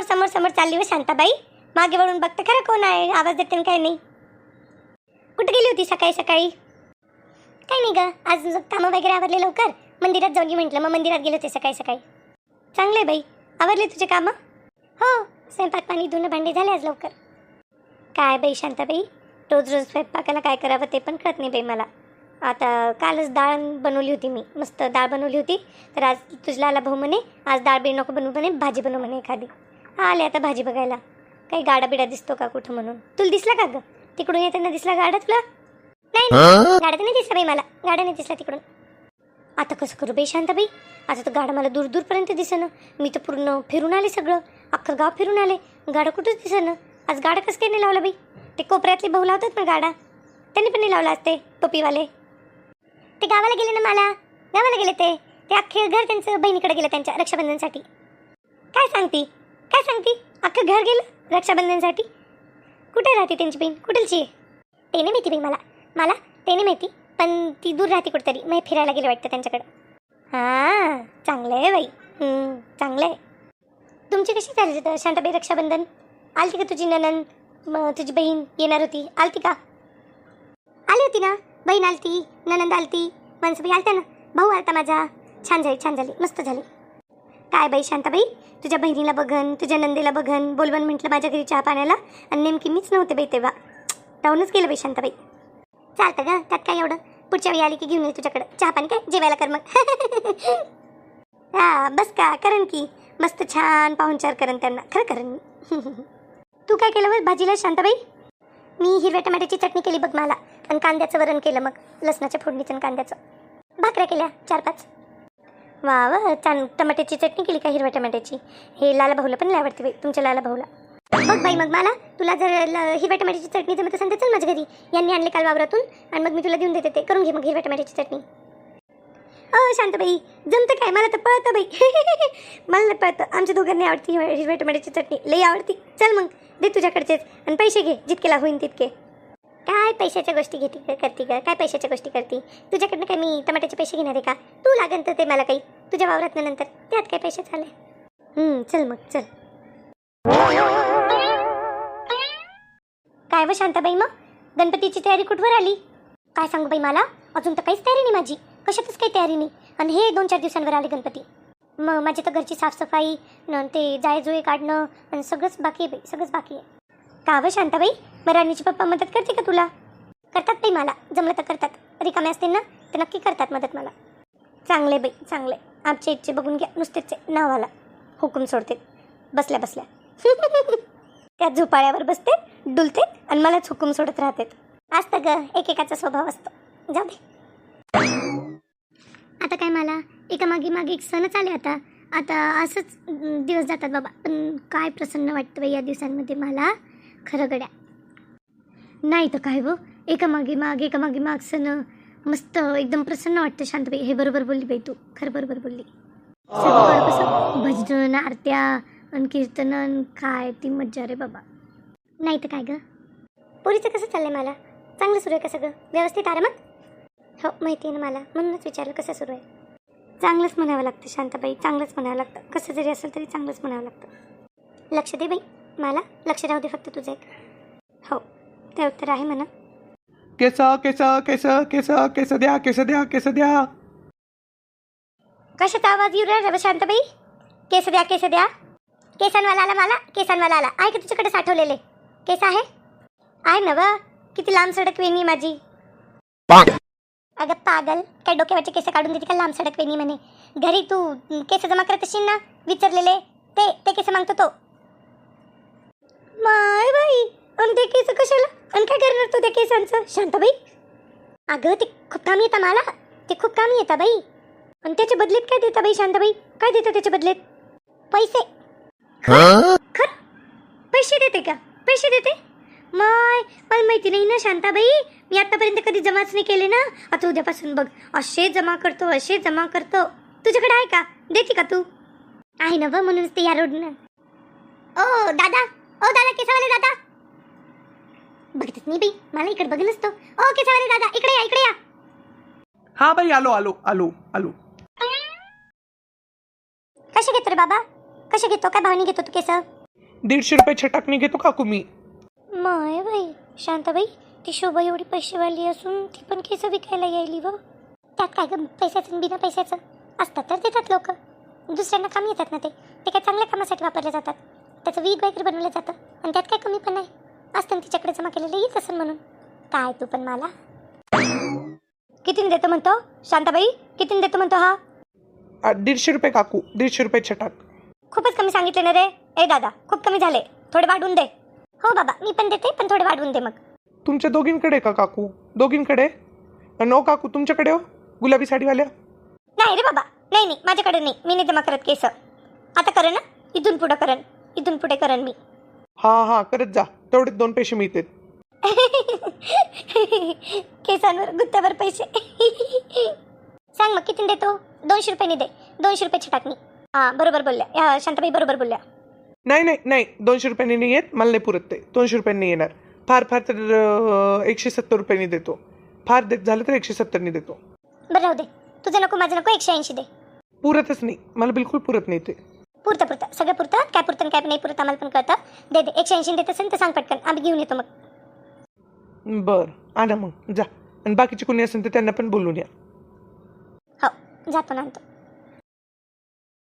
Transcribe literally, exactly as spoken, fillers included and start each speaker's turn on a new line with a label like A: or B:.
A: समोर समोर चालली व शांताबाई, मागे वळून बघते खरं कोण आहे, आवाज देते काय नाही. कुठे गेली होती सकाळी सकाळी? काही नाही ग, आज कामं वगैरे आवरले लवकर, मंदिरात जाऊन म्हटलं, मग मंदिरात गेले होते सकाळी सकाळी. चांगले बाई, आवरले तुझे कामं? हो, स्वयंपाक पाणी धुणं भांडी झाले आज लवकर. काय बाई शांताबाई, रोज रोज स्वयंपाकाला काय करावं ते पण कळत नाही बाई मला. आता कालच डाळ बनवली होती मी, मस्त डाळ बनवली होती, तर आज तुझला आला भाऊ म्हणे आज डाळ बी नको बनवू म्हणे, भाजी बनव म्हणे एखादी. आले आता भाजी बघायला, काही गाडा बिडा दिसतो का कुठं म्हणून. तुला दिसला का ग तिकडून येताना, दिसला गाडा तुला? नाही नाही, गाडा तर नाही दिसला बाई मला, गाडा नाही दिसला तिकडून. आता कसं करू बाई शांताबाई, आता तर गाडा मला दूर दूरपर्यंत दिसेना. मी तर पूर्ण फिरून आले, सगळं अख्खं गाव फिरून आले, गाडा कुठंच दिसेना. आज गाडा कसं काय नाही लावला बाई? ते कोपऱ्यातले भाऊ लावतात ना गाडा, त्यांनी पण नाही लावला असते टोपीवाले. ते गावाला गेले ना, मला गावाला गेले ते ते अख्खे घर त्यांचं बहिणीकडे गेलं त्यांच्या रक्षाबंधनसाठी. काय सांगती काय सांगती अख्खं घर गेलं रक्षाबंधनसाठी? कुठे राहते त्यांची बहीण, कुठलची? ते नाही माहिती बाई मला मला ते नाही माहिती, पण ती दूर राहते कुठेतरी, मग फिरायला गेले वाटतं त्यांच्याकडं. हां, चांगलं आहे बाई, चांगलं आहे. तुमची कशी झाली शांताबाई रक्षाबंधन? आलती का तुझी ननंद, मग तुझी बहीण येणार होती, आलती का? आली होती ना, बहीण आलती, ननंद आलती, माणसंबाई आलत्या ना, भाऊ आलता माझा. छान झाली छान झाली मस्त झाली. काय बाई शांताबाई, तुझ्या बहिणीला बघन, तुझ्या नंदेला बघन, बोलवण म्हटलं माझ्या घरी चहा पाण्याला, आणि नेमकी मीच नव्हते बाई तेव्हा. राहूनच गेलं बाई शांताबाई. चालतं ग, त्यात काय एवढं, पुढच्या वेळी आली की घेऊन येईल तुझ्याकडं चहा पाणी, काय जेवायला कर मग. हा बस का करण की मस्त छान पाहुणचार करण त्यांना, खरं करण मी. तू काय केलं बस भाजीला शांताबाई? मी हिरव्या टमाट्याची चटणी केली बघ मला, आणि कांद्याचं वरण केलं, मग लसणाच्या फोडणीचं आणि कांद्याचं. भाकऱ्या केल्या चार पाच. वा वा, छान. टमाट्याची चटणी केली का हिरव्या टमाट्याची? हे लाला भाऊला पण लय आवडते बाई, तुमच्या लाला भाऊला. बघ बाई, मग मला तुला जर हिरव्या टमाट्याची चटणी जमत असेल तर चल माझ्या घरी, यांनी आणले काल वावरातून, आणि मग मी तुला देऊन देते, ते करून घे मग हिरव्या टमाट्याची चटणी. अ शांताबाई जमतं काय, मला तर पळतं बाई. मला नाही पळतं, आमच्या दोघांनी आवडती हिरव्या टमाट्याची चटणी, लई आवडती. चल मग दे तुझ्याकडचेच, आणि पैसे घे जितकेला होईन तितके. काय पैशाच्या गोष्टी घेते करते का, काय पैशाच्या गोष्टी करते? तुझ्याकडनं काय मी टमाट्याचे पैसे घेणार आहे का? तू लागन तर ते मला काही तुझ्या वावरात नंतर, त्यात काय पैसे झाले. चल मग चल. काय व शांताबाई, मग गणपतीची तयारी कुठवर आली? काय सांगू बाई, मला अजून तर काहीच तयारी नाही माझी, कशातच काही तयारी नाही. आणि हे दोन चार दिवसांवर आले गणपती, मग माझी तर घरची साफसफाई न ते जायजुळे काढणं आणि सगळंच बाकी आहे बाई, सगळंच बाकी आहे. का व शांताबाई, मग राणीची पप्पा मदत करते का तुला? करतात बाई, मला जमलं तर करतात, रिकामे असतील ना तर नक्की करतात मदत मला. चांगले बाई चांगले, आमच्या इच्छे बघून घ्या, नुसतेच नावाला हुकूम सोडते बसल्या बसल्या. त्या झोपाळ्यावर बसते, डुलते, आणि मलाच हुकूम सोडत राहते. असतं ग, एकेकाचा स्वभाव असतो. जाऊ दे. आता काय, मला एका मागे मागे एक सणच आले. आता आता असंच दिवस जातात बाबा, पण काय प्रसन्न वाटतं बाई या दिवसांमध्ये मला, खरं गड्या. नाही तर काय व, एका मागे माग एका मागे माग सण, मस्त एकदम प्रसन्न वाटतं शांताबाई. हे बरोबर बोलली बाई तू, खरं बरोबर बोलली. सगळं कसं भजन, आरत्या आणि कीर्तन, काय ती मज्जा रे बाबा. नाही तर काय ग. पोरीचं कसं चाललंय? मला चांगलं सुरू आहे का सगळं व्यवस्थित आरामात? हो माहिती आहे ना मला, म्हणूनच विचारलं कसं सुरू आहे. चांगलंच म्हणावं लागतं शांताबाई, चांगलंच म्हणावं लागतं, कसं जरी असेल तरी चांगलंच म्हणावं लागतं. लक्ष दे बाई, मला लक्ष राहू दे फक्त तुझं एक. हो ते उत्तर आहे म्हणा.
B: केस केस केस केस केस द्या, केस द्या, केस द्या.
A: कशाचा आवाज येऊ राहिला शांताबाई? केस द्या, केस द्या. केसांवाला आला मला, केसांवाला आला. आहे का तुझ्याकडे साठवलेले केस? आहे आहे ना व, किती लांब सडक वेणी माझी. अगं पागल, काय डोक्यावरचे केस काढून देते का लांब सडक वेणी म्हणे? घरी तू केस जमा करत असशील ना विचारलेले, ते ते केस मागतो तो. माय बाई, आणि ते केस कशाला, आणि काय करणार तू त्या केसांचं शांताबाई? अगं ते खूप कामी येतं मला, ते खूप कामी येतं बाई. आणि त्याच्या बदलेत काय देता बाई शांताबाई? काय देतं त्याच्या बदलेत? पैसे. खर पैसे देते का? पैसे देते? माय मला माहिती नाही ना शांताबाई, मी आतापर्यंत कधी जमाच नाही केले ना. आता उद्यापासून बघ असे जमा करतो, असे जमा करतो. तुझ्याकडे आहे का? देते का तू? आहे ना व, म्हणूनच ते या रोडनं. ओ दादा, ओ दादा, केसावाले दादा. बघतच नाही बाई, मला इकडे बघ नसतो. ओ केसावाले दादा, इकडे या, इकडे या.
B: हा बाई, आलो आलो आलो आलो.
A: कसे घेतो रे बाबा, कसे घेतो? काय भावनी घेतो तू केस?
B: दीडशे रुपये छटाकणी घेतो काकू मी.
A: माय बाई शांताबाई, ती शोभा एवढी पैसेवाली असून ती पण केस विकायला यायली व त्यात काय ग पैशाचं आणि बिना पैशाचं असतात तर देतात लोक. दुसऱ्यांना कामी येतात ना ते ते काय चांगल्या कामासाठी वापरले जातात. त्याचं वीग वगैरे बनवलं जातं आणि त्यात काय कमी पण नाही असतं तिच्याकडे जमा केलेलं येत असेल म्हणून. काय तू पण मला कितीने देतो म्हणतो शांताबाई, कितीने देतो म्हणतो हा?
B: आ, दीडशे रुपये काकू, दीडशे रुपये छटाक.
A: खूपच कमी सांगितले ना रे. ए दादा खूप कमी झाले, थोडे वाढवून दे. हो बाबा मी पण देते पण थोडे वाढवून दे. मग
B: तुमच्या दोघींकडे का काकू? दोघींकडे? नो काकू तुमच्याकडे हो गुलाबी साडीवाल्या?
A: नाही रे बाबा, नाही नाही माझ्याकडे नाही. मी नाही जमा करत केस. आता करेन ना, इथून पुढं करेन, इथून पुढे करेन मी.
B: हां हां करत जा, तेवढेच दोन पैसे मिळतात.
A: केसांवर गुत्त्यावर पैसे. सांग मग किती देतो? दोनशे रुपयांनी दे, दोनशे रुपये छटाकणी. हां बरोबर बोलल्या या शांताबाई, बरोबर बोलल्या.
B: नाही नाही नाही दोनशे रुपयांनी नाही येत, मला नाही पुरत ते. दोनशे रुपयांनी येणार. फार फार तर अं, एकशे सत्तर रुपयांनी देतो. फार देत झालं तर एकशे सत्तरनी देतो.
A: बरं राहू दे, तुझं नको माझं नको, एकशे ऐंशी दे.
B: पुरतच नाही मला, बिलकुल पुरत नाही ते.
A: पुरतं पुरतं सगळं पुरतं. काय पुरतं काय नाही पुरतं आम्हाला पण कळतं. दे दे, एकशे ऐंशी देत असेल तर सांग पटकन, आम्ही घेऊन येतो मग.
B: बरं आणा मग जा, आणि बाकीचे कोणी असेल तर त्यांना पण बोलून या.
A: हो जातो ना आणतो.